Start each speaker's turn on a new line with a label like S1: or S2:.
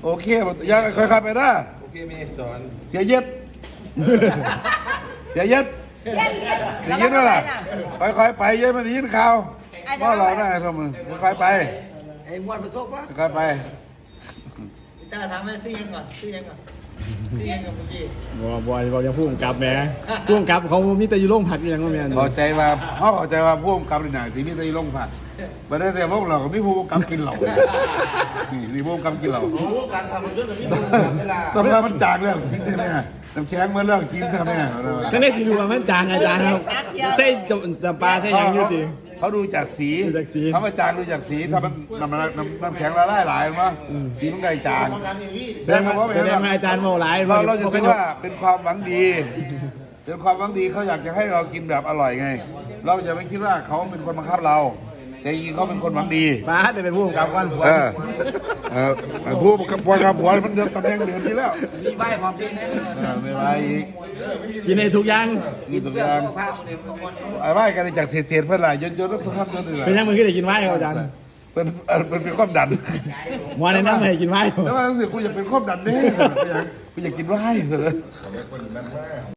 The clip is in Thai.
S1: โอเคอย่าค่อยๆไปนะ
S2: โอเคไม่สอน
S1: เสียเย็ดเสียเย็ด
S3: เย็น
S1: เสียเย็ดว่าล่ะค่อยๆไปเย็ดมันยินข่าวก็รอได้ทำมือค่อยๆไป
S4: ไอ้มวนมาโซกวะ
S1: ค่อยๆไป
S4: ตาถามว่าซื้อยังก่อนซื้อยังก่อนซื้อยังก่อนเมื่อกี้
S5: บ่ยังพูดกับแหมพูดกับเขามีแต่อยู่โรงผักอย่างว่าแม่น
S1: เข้าใจว่าเขาเข้าใจว่าผู้กำกับในหนังที่มีแต่ลงผักประเด็นแต่พวกเราก็มีผู้กำกับกินเหล้านี่ผู้กำกับกินเหล้า
S4: โอ้การทำมันเยอะแบบนี้มันเวลา
S1: ต้องการมันจางแล้วกินใช่ไหมน้ำแข็งมันเลิกกินใช่ไหม
S5: ก็ได้สิรู้ว่ามันจางอาจารย์ครับใส่จำปาใส่หยังอยู่ติ
S1: เขาดูจากสี
S5: ดูจากสี
S1: เขามาจางดูจากสีถ้ามันน้ำแข็งละลายหลายมั้งสีมันไก่จาง
S5: แสดงว่าอาจารย์เมาหลาย
S1: เราจะคิดว่าเป็นความหวังดี เป็นความหวังดีเขาอยากจะให้เรากินแบบอร่อยไง เราจะไม่คิดว่าเขาเป็นคนบังคับเรา แต่จริงๆเขาเป็นคนหวังดี
S5: ป้าได้เป็นผู้กำกับกัน
S1: ผู้กับผัวกับผัวมันเดิมตำแหน่งเดิมที่แล้ว
S4: มีใบความเป็นนะ
S1: ไม่ไรอีก
S5: กินให้ทุกอย่าง
S1: นี่ตัวอย่าง
S4: ภาพคนเดียวบางคน
S1: ไอ้ไหว้กันจากเศษๆเพื่อนหลายยนๆแล้วสุขภาพยนต์อื่น
S5: เป็นยังมึงก็ได้กินไว้ครับอาจารย์
S1: เป็นความดัน
S5: หมอแนะนำให้กินไว้
S1: แล้วว่ารู้สึกกูอยากเป็นความดันเด้กูอยากกินไว้เหรอ